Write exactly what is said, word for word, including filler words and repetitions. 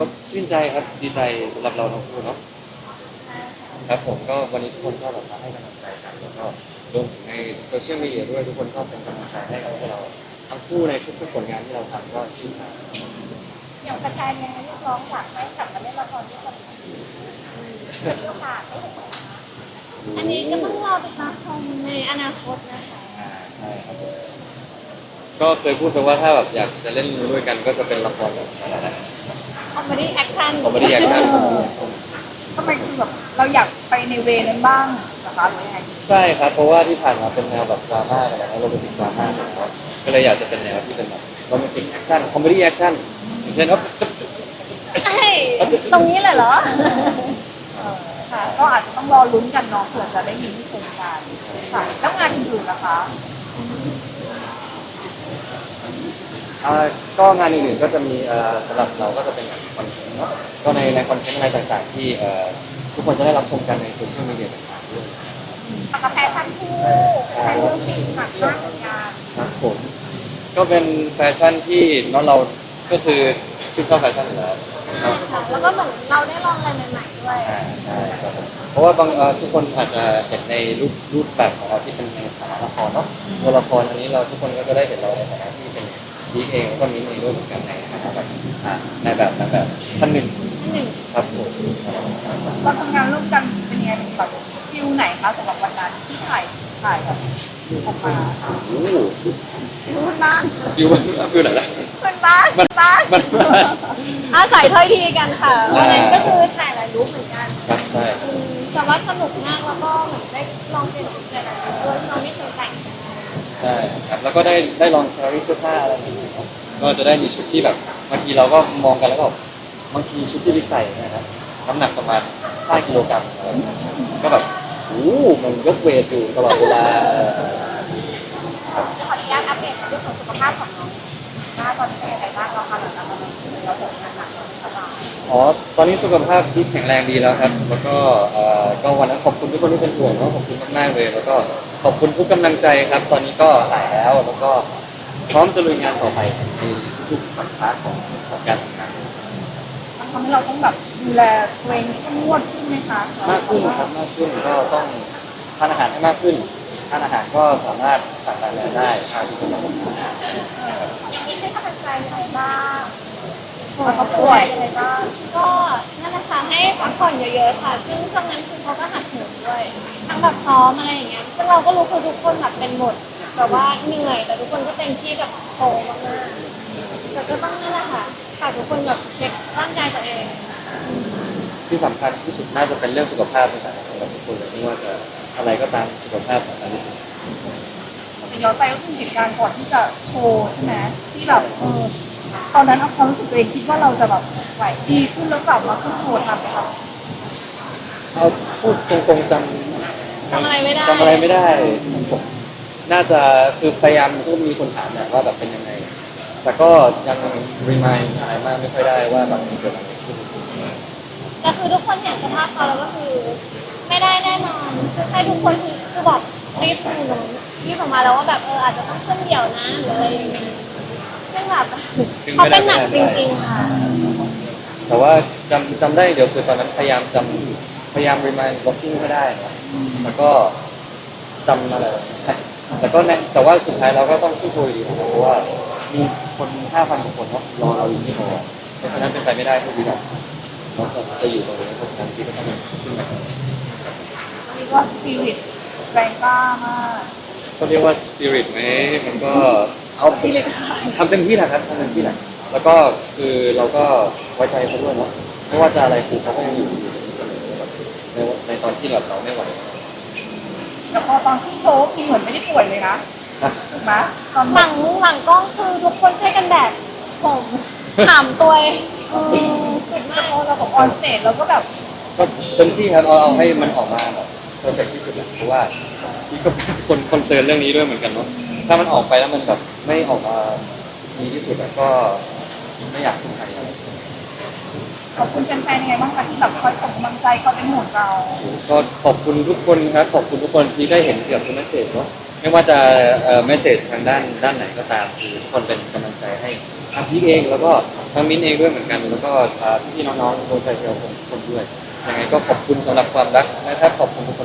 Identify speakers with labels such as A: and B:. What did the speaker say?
A: ก็ชื่นใจครับดีใจสำหรับเราทั้งคู่เนาะครับผมก็วันนี้ทุกคนก็แบบมาให้กำลังใจกันแล้วก็รวมถึงในโซเชียลมีเดียด้วยทุกคนก็เป็นกำลังใจให้กับพวกเราทั้งคู่ในทุกๆผลงานที่เราทำก็ชื่นใจ
B: อย่างแฟนๆเนี่ยเรียกร้องอยากให้กลับมาเล่นละครด้วยกันอีกมีโอกาสได้เห็นไหมคะอันนี้ก็ต้องรอติดตามชมในอนาคตนะคะ
A: อ่าใช่ครับผมก็เคยพูดไปว่าถ้าแบบอยากจะเล่นด้วยกันก็จะเป็นละครแบบอะไรนะ
B: คอมเมดี้แอคชั่น
A: คอมเมดี้แอคชั่น
B: ทำไมคือแบบเราอยากไปในเวนั้นบ้างนะคะหรือยังไง
A: ใช่ครับเพราะว่าที่ผ่านมาเป็นแนวแบบดราม่าอะไรนะโรแมนติกดราม่านะครับก็เลยอยากจะเป็นแนวที่เป็นแบบโรแมนติกแอคชั่นคอมเมดี้แอคชั่นอย่างเช่นว่า
B: ใช่ตรงนี้เลยเหรอค่ะก็อาจจะต้องรอลุ้นกันเนาะเผื่อจะได้มีที่โครงการค่ะแล้วงานอื่นๆนะคะ
A: อ่าก็งานอื่นๆก็จะมีเอ่อสำหรับเราก็จะเป็นงานคอนเทนต์เนาะก็ในในคอนเทนต์อะไรต่างๆที่เอ่อทุกคนจะได้รับชมกันในโซเชียลมีเดียต่างๆด้วย
B: กาแฟชั่นคู่แฟชั่นสีหนักมากเหมือนกัน
A: ครับผมก็เป็นแฟชั่นที่เนาะเราก็คือชื่นชอบแฟชั่นอยู่แล้ว
B: แล้วก็เหมือนเราได้ลองอะไรใหม่ๆด้วย
A: อ่าใช่ครับผมเพราะว่าบางเอ่อทุกคนอาจจะเห็นในรูปรูปแบบของเราที่เป็นในฐานะละครเนาะตัวละครอันนี้เราทุกคนก็จะได้เห็นเราในฐานะที่เป็นดีเองแล้วก็มีในรูปเหมือนกันในฐานะแบบอ่าในแบบในแบบท่านหนึ่ง
B: หนึ่ง
A: ครับผม
B: เราทำงานร่วมกันเป็นยังไงแบบฟิลไหนคะสำหรับวันนั้นที่ถ่ายถ่ายแบบออกมา
A: โอ้
B: รู้บ้าน
A: ฟิวฟิวไหนล่ะ
B: เป็นบ้านบ้านอาศัยถ้อยทีกันค่ะวันนั้นก็คือถ่ายหลายรูปเหมือนกัน
A: ครับใช่
B: แต่ว่าสนุกมากแล้วก็เหมือนได้ลองเป็นหลายๆชุดด้วยที่เราไม่เคยแต่ง
A: ใช่ครับแล้วก็ได้ได้ลองแครี่เสื้อผ้าอะไรอย่างเงี้ยก็จะได้มีชุดที่แบบบางทีเราก็มองกันแล้วก็บางทีชุดที่ลิใส่นะครับน้ำหนักประมาณห้ากิโลกรัมก็แบบโอ้มันยกเวทอยู่ตลอดเวลา
B: ขออนุญาตอัปเดตเรื่องของสุขภาพของน้องว่าตอนนี้เป็นยังไงบ้างเราคะหลังจากเราเราเดินทางหนักสบาย
A: อ๋อตอนนี้สุขภาพที่แข็งแรงดีแล้วครับแล้วก็เอ่อก็วันนั้นขอบคุณทุกคนที่เป็นห่วงเนาะขอบคุณมากๆเลยแล้วก็ขอบคุณทุกกำลังใจครับ ตอนนี้ก็หายแล้วแล้วก็พร้อมจะลุยงานต่อไปในทุกๆสัปดาห์ของของการทำงาน
B: มันทำให้เราต้องแบบดูแลตัวเองเข้มงวดขึ้นไหมคะ
A: มากขึ้นครับมากขึ้นก็ต้องทานอาหารให้มากขึ้นทานอาหารก็สามารถสั่งทานได้ทานที่เป็นอาหาร
B: ที่ให้กำลังใจยังไงบ้างเขาป่วยยังไงบ้างก็นั่นแหละค่ะให้พักผ่อนเยอะๆค่ะซึ่งช่วงนั้นคือเขาก็หัดเหินด้วยทั้งแบบซ้อมอะไรอย่างเงี้ยซึ่งเราก็รู้คือทุกคนแบบเป็นหมดแต่ว่าเหนื่อยแต่ทุกคนก็เต็มที่กับโชว์มากๆแต่ก็ต้องนั่นแหละค่ะฝากทุกคนแบบเช็คร่างกายตัวเอง
A: ที่สำคัญที่สุดน่าจะเป็นเรื่องสุขภาพนะครับสำหรับทุกคนเลยไม่ว่าจะอะไรก็ตามสุขภาพสำคัญที่สุด
B: ย้อนไปก็คือเหตุการณ์ก่อนที่จะโชว์ใช่ไหมที่แบบเออตอนนั้นเอาความรู้สึกตัวเองคิดว่าเราจะแบบไหวดีขึ้นแล้วกลับมาขึ้นโชว์ทำไหมคะ
A: เอาพูดตรงๆจำ
B: จำอะไรไม่ได้
A: จำอะไรไม่ได้ผมน่าจะคือพยายามก็มีคนถามแหละว่าแบบเป็นยังไงแต่ก็ยังรีมายอะไรมากไม่ค่อยได้ว่าแบบมันเกิดอะไรขึ้น
B: แต่คือทุกคนเห็นสภาพเขาแล้วก็คือไม่ได้แน่นอนคือให้ทุกคนคือแบบรีบดูนรีบออกมาแล้วว่าแบบเอออาจจะต้องขึ้นเดี่ยวนะหรืออะไรอย่างเงี้ยซึ่งแบบเขาเป็นหนักจริงๆค่ะ
A: แต่ว่าจำจำได้เดี๋ยวคือตอนนั้นพยายามจำพยายามรีมายบล็อกกิ้งให้ได้นะแล้วก็จำอะไรแต่ก็แต่ว่าสุดท้ายเราก็ต้องสู้ๆดีเพราะว่ามีคนห้าพันกว่าคนรอเราอยู่ที่โอเพราะฉะนั้นเป็นไปไม่ได้ทุกวินาทีเราจะอยู่ตรงนี้เพราะฉะนั้นที่ก็ต้องขึ้นมา
B: เรียกว่าสปิริตแรงกล้ามาก
A: ก็เรียกว่าสปิริตไหมมันก็เอาทำเต็มที่แหละครับทำเต็มที่แหละแล้วก็คือเราก็ไว้ใจเขาด้วยเนาะไม่ว่าจะอะไรคือเขาก็ยังอยู่อยู่เสมอแบบในในตอนที่แบบเราไม่ไหว
B: แต่พอตอนที่โชว์คือเหมือนไม่ได้ป่วยเลยนะถูกไหมหลังหลังกล้องคือทุกคนช่วยกันแดดผมถามตัวสุดมากเราบอกออนสเตจเราก็แบบ
A: ก็เต็มที่ครับเอาเอาให้มันออกมาแบบเพอร์เฟกที่สุดแหละเพราะว่าพี่ก็เป็นคนคอนเซิร์นเรื่องนี้ด้วยเหมือนกันเนาะถ้ามันออกไปแล้วมันแบบไม่ออกมาดีที่สุดก็ไม่อยากทำใคร
B: ขอบคุณแฟนๆยังไงบ้างคะที่แบบคอยส่งกำลังใจเขาเป็นห่วงเรา
A: ก็ขอบคุณทุกคนครับขอบคุณทุกคนที่ได้เห็นเกี่ยวกับเมสเซจเนาะไม่ว่าจะเอ่อเมสเซจทางด้านด้านไหนก็ตามคือทุกคนเป็นกำลังใจให้ทางพี่เองแล้วก็ทางมิ้นเองด้วยเหมือนกันแล้วก็อ่าพี่ๆน้องๆโดยใจเดียวผมคนด้วยยังไงก็ขอบคุณสำหรับความรักและถ้าขอบคุณทุกคน